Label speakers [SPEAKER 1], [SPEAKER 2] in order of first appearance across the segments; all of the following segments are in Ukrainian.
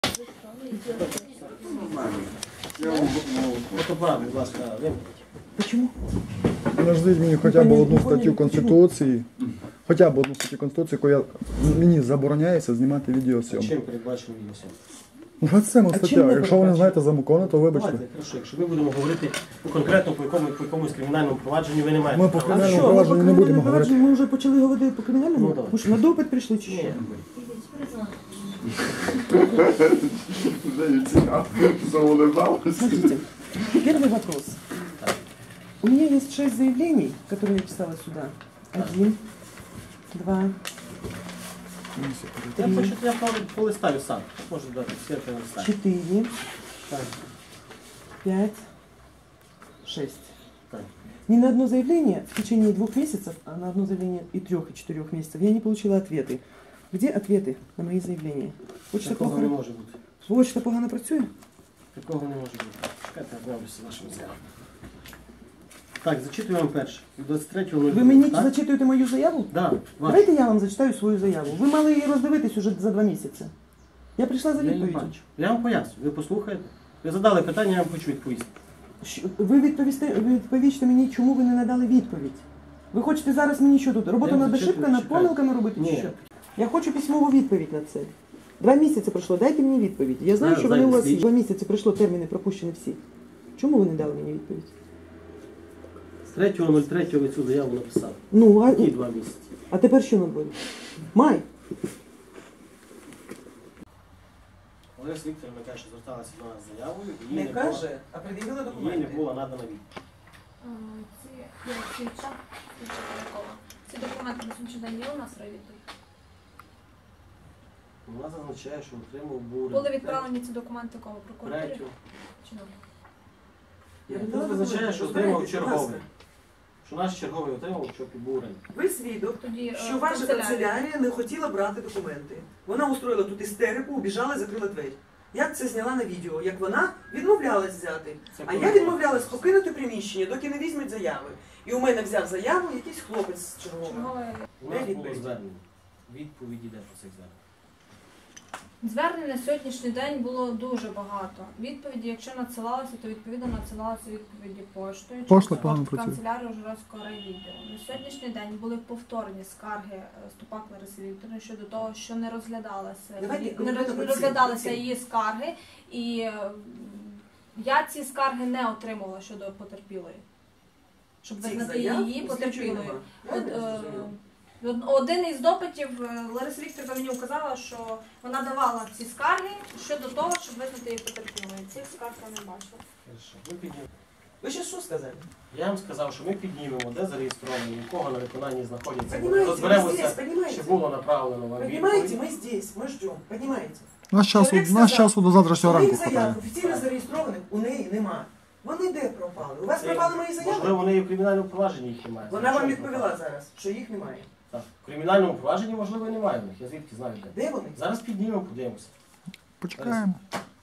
[SPEAKER 1] Почему?
[SPEAKER 2] Подождіть мені хоча б одну статтю Конституції, яка мені забороняється знімати відеосйомку.
[SPEAKER 3] Чим передбачено відеосйомку?
[SPEAKER 2] 27 стаття. Якщо ви не знаєте закону, то вибачте.
[SPEAKER 3] Давайте, хорошо, якщо ми будемо говорити конкретно по якомусь кримінальному провадженню, ви не маєте
[SPEAKER 2] Ми по
[SPEAKER 3] права.
[SPEAKER 2] кримінальному провадженню не будемо говорити.
[SPEAKER 1] Ми вже почали говорити по кримінальному?
[SPEAKER 3] Ну, давай.
[SPEAKER 1] Ви що, на допит прийшли чи що? Смотрите, первый вопрос. У меня есть 6 заявлений, которые я писала сюда. 1, 2,
[SPEAKER 3] Я хочу, я полистаю сам. Можу дати, скільки листаю.
[SPEAKER 1] 4,
[SPEAKER 3] Так,
[SPEAKER 1] 5, 6.
[SPEAKER 3] так.
[SPEAKER 1] Ни на одно заявление в течение 2 месяцев, а на одно заявление и 3, и 4 месяцев я не получила ответы. Где ответы на мои заявления? Почта
[SPEAKER 3] Такого не може бути.
[SPEAKER 1] Почта погано працює?
[SPEAKER 3] Такого не може бути. Чекайте, я знайомлюся з вашими заявами. Так, зачитую вам перше. 23.02.
[SPEAKER 1] Ви мені
[SPEAKER 3] так?
[SPEAKER 1] зачитуєте мою заяву?
[SPEAKER 3] Да, вашу.
[SPEAKER 1] Давайте я вам зачитаю свою заяву. Ви мали її роздивитись уже за 2 місяці. Я прийшла за
[SPEAKER 3] Я її
[SPEAKER 1] відповіддю.
[SPEAKER 3] бачу. Я вам поясню, ви послухаєте. Ви задали питання, я вам хочу відповісти.
[SPEAKER 1] Ви відповісте мені, чому ви не надали відповідь. Ви хочете зараз мені що тут? Роботу
[SPEAKER 3] Я
[SPEAKER 1] над
[SPEAKER 3] зачитую,
[SPEAKER 1] ошибками, над
[SPEAKER 3] чекаю.
[SPEAKER 1] помилками робити чи
[SPEAKER 3] Ні.
[SPEAKER 1] що? Я хочу письмову відповідь на це. 2 місяці пройшло, дайте мені відповідь. Я знаю, що вони у вас 2 місяці пройшло, терміни пропущені всі. Чому ви не дали мені відповідь?
[SPEAKER 3] З 3.03 ви цю заяву написали.
[SPEAKER 1] Ну,
[SPEAKER 3] Які 2 місяці?
[SPEAKER 1] а тепер що на дворі? Май.
[SPEAKER 3] Олеся Вікторівна каже, що зверталася до нас з заявою. і
[SPEAKER 1] Не
[SPEAKER 3] їй
[SPEAKER 1] каже, а пред'явила
[SPEAKER 3] їй не
[SPEAKER 1] документи.
[SPEAKER 3] було надано відповідь.
[SPEAKER 4] Ці документи на сьогоднішній день є у нас райвідділі?
[SPEAKER 3] Вона зазначає, що отримав бурю.
[SPEAKER 4] Були відправлені ці документи кому? Прокуратурі?
[SPEAKER 3] Третю.
[SPEAKER 4] Чи нам?
[SPEAKER 1] Я
[SPEAKER 3] Тут
[SPEAKER 1] віддала
[SPEAKER 3] визначає,
[SPEAKER 1] документи.
[SPEAKER 3] що
[SPEAKER 1] Розбирайтесь,
[SPEAKER 3] отримав
[SPEAKER 1] будь
[SPEAKER 3] черговий.
[SPEAKER 1] ласка.
[SPEAKER 3] Що наш черговий отримав, що підбурень.
[SPEAKER 1] Ви свідок,
[SPEAKER 4] Тоді,
[SPEAKER 1] що ваша канцелярія не хотіла брати документи. Вона устроїла тут істерику, убіжала і закрила двері. Я це зняла на відео, як вона відмовлялась взяти.
[SPEAKER 3] Це
[SPEAKER 1] А я
[SPEAKER 3] коли?
[SPEAKER 1] відмовлялась покинути приміщення, доки не візьмуть заяви. І у мене взяв заяву якийсь хлопець черговий.
[SPEAKER 3] У нас
[SPEAKER 1] Де
[SPEAKER 3] було
[SPEAKER 1] відповідь?
[SPEAKER 3] звернення. Відповіді йде по цих зверненнях.
[SPEAKER 4] Звернень на сьогоднішній день було дуже багато. Відповіді, якщо надсилалися, то відповідно надсилалися відповіді поштою.
[SPEAKER 2] Пошта
[SPEAKER 4] через
[SPEAKER 2] погано
[SPEAKER 4] пошту
[SPEAKER 2] працює.
[SPEAKER 4] канцелярію Ужгородського райвідділу. На сьогоднішній день були повторні скарги Ступак Лариси Вікторівни щодо того, що не розглядалися,
[SPEAKER 1] Давайте
[SPEAKER 4] не
[SPEAKER 1] конкретно
[SPEAKER 4] розглядалися
[SPEAKER 1] по цим.
[SPEAKER 4] її скарги. І я ці скарги не отримала щодо потерпілої. Щоб
[SPEAKER 1] Цих
[SPEAKER 4] визнати
[SPEAKER 1] заяв
[SPEAKER 4] її
[SPEAKER 1] у слідчої
[SPEAKER 4] потерпілою.
[SPEAKER 1] нема.
[SPEAKER 4] От,
[SPEAKER 1] Я не зрозуміла.
[SPEAKER 4] Один із допитів Лариса Вікторівна мені вказала, що вона давала ці скарги щодо того, щоб визнати її потерпілою. Цих скарг я не бачила.
[SPEAKER 3] Хорошо. Ви піднімете.
[SPEAKER 1] Ви ще що сказали?
[SPEAKER 3] Я вам сказав, що ми піднімемо, де зареєстровані, у кого на виконанні знаходяться.
[SPEAKER 1] Поднимайте, мы
[SPEAKER 3] Розберемося,
[SPEAKER 1] здесь, поднимайте.
[SPEAKER 3] чи було направлено вам
[SPEAKER 1] Понимаете,
[SPEAKER 3] відповідь.
[SPEAKER 1] мы здесь, мы ждем, понимаете?
[SPEAKER 2] Наш часу до завтрашнього ранку
[SPEAKER 1] Моїх
[SPEAKER 2] хватає.
[SPEAKER 1] заяв офіційно зареєстрованих у неї нема. Вони де пропали? У вас пропали мої заяви?
[SPEAKER 3] Можливо, вони і в кримінальному провадженні їх немає.
[SPEAKER 1] Вона вам
[SPEAKER 3] Звичайно,
[SPEAKER 1] відповіла
[SPEAKER 3] пропали.
[SPEAKER 1] зараз, що їх немає.
[SPEAKER 3] Так. В кримінальному провадженні, можливо, і немає в них. Я звідки знаю де.
[SPEAKER 1] Де вони?
[SPEAKER 3] Зараз піднімемо, подивимося.
[SPEAKER 2] Почекаємо.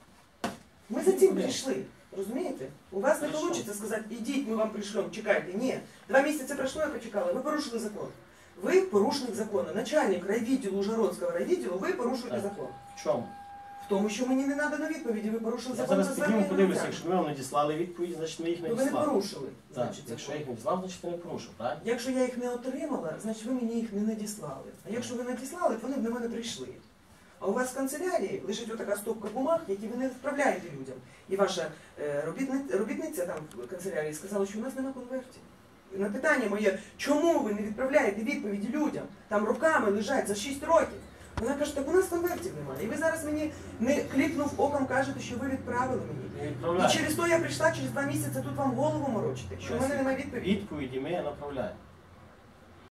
[SPEAKER 1] Ми за цим прийшли. Розумієте? У вас не вийде сказати, ідіть, ми вам прийшлемо, чекайте. Ні. 2 місяці пройшло, я почекала. Ви порушили закон. Ви порушник закону. Начальник райвідділу, Ужгородського райвідділу, ви порушуєте
[SPEAKER 3] Так.
[SPEAKER 1] закон.
[SPEAKER 3] В чому?
[SPEAKER 1] В тому, що мені не надано відповіді, ви порушили
[SPEAKER 3] Я
[SPEAKER 1] закон
[SPEAKER 3] зараз
[SPEAKER 1] за
[SPEAKER 3] підніму,
[SPEAKER 1] звернення
[SPEAKER 3] подивлюся.
[SPEAKER 1] громадян.
[SPEAKER 3] Якщо ми вам надіслали відповідь, значить ми їх не
[SPEAKER 1] Ну, ви не
[SPEAKER 3] надіслали.
[SPEAKER 1] порушили.
[SPEAKER 3] Так,
[SPEAKER 1] Значить,
[SPEAKER 3] якщо я
[SPEAKER 1] закон.
[SPEAKER 3] їх не надіслав, значить я не порушив, правильно?
[SPEAKER 1] Якщо я їх не отримала, значить ви мені їх не надіслали. А якщо ви надіслали, то вони б до мене прийшли. А у вас в канцелярії лежить отака стопка бумаг, які ви не відправляєте людям. І ваша робітниця там в канцелярії сказала, що у нас немає конвертів. І на питання моє, чому ви не відправляєте відповіді людям? Там руками лежать за 6 років. Вона каже, так у нас конвертів немає. І ви зараз мені, не кліпнув оком, кажете, що ви відправили мені.
[SPEAKER 3] Не
[SPEAKER 1] І
[SPEAKER 3] відправляємо.
[SPEAKER 1] через то я прийшла через 2 місяці тут вам голову морочити, що в мене немає відповіді.
[SPEAKER 3] Відповіді ми направляємо.